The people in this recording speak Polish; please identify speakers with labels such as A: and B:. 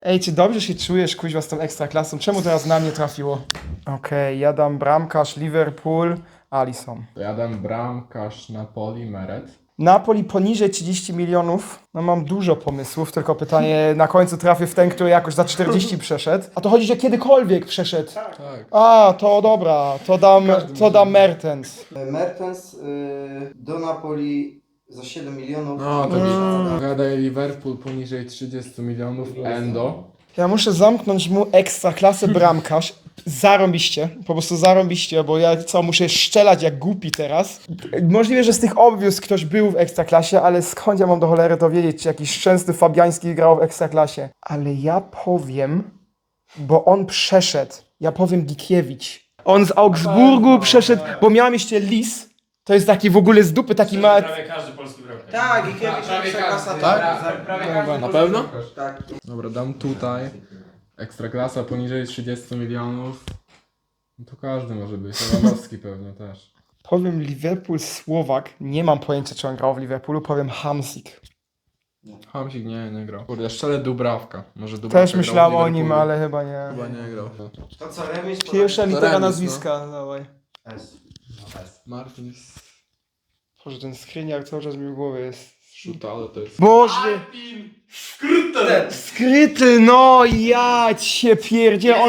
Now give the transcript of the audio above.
A: Ej, czy dobrze się czujesz, kuźwa, z tą ekstraklasą? Czemu teraz na mnie trafiło? Okej, ja dam bramkarz Liverpool, Alisson.
B: To ja dam bramkarz Napoli, Meret.
A: Napoli poniżej 30 milionów. No mam dużo pomysłów, tylko pytanie, na końcu trafię w ten, który jakoś za 40 przeszedł. A to chodzi, że kiedykolwiek przeszedł.
B: Tak.
A: A, to dobra, to dam Mertens.
C: Mertens do Napoli za 7 milionów.
B: No to gadaj Liverpool poniżej 30 milionów, Endo.
A: Ja muszę zamknąć mu ekstraklasę bramkarz. Zarąbiście, po prostu zarąbiście, bo ja muszę szczelać jak głupi teraz. Możliwe, że z tych obwiózł ktoś był w ekstraklasie, ale skąd ja mam do cholery to wiedzieć, czy jakiś szczęsny Fabiański grał w ekstraklasie. Ale ja powiem, bo on przeszedł, ja powiem Gikiewicz. On z Augsburgu przeszedł, bo miałem jeszcze Lis, to jest taki w ogóle z dupy, taki ma...
D: Prawie każdy polski bramkarz.
C: Tak, i Kiewicz Ekstraklasa
B: Tak?
C: prawie
B: Na pewno?
C: Tak.
B: Dobra, dam tutaj. Ekstraklasa poniżej 30 milionów. No to każdy może być. Lewandowski pewnie też.
A: Powiem Liverpool Słowak, nie mam pojęcia, czy on grał w Liverpoolu, powiem Hamsik.
B: Hamsik nie grał. Kurde, szczerze Dubravka. Może Dubravka
A: Też
B: grał w
A: myślałem o nim,
B: Liverpoolu.
A: ale chyba nie.
B: Chyba nie grał.
C: To co, remis?
A: Pierwsza litera
B: remis,
A: nazwiska, dawaj.
C: S.
B: Martins.
A: Boże, ten screeniar cały czas mi w głowie jest.
B: Szuta, ale to jest...
A: Boże! Skryty, no ja cię pierdzielę.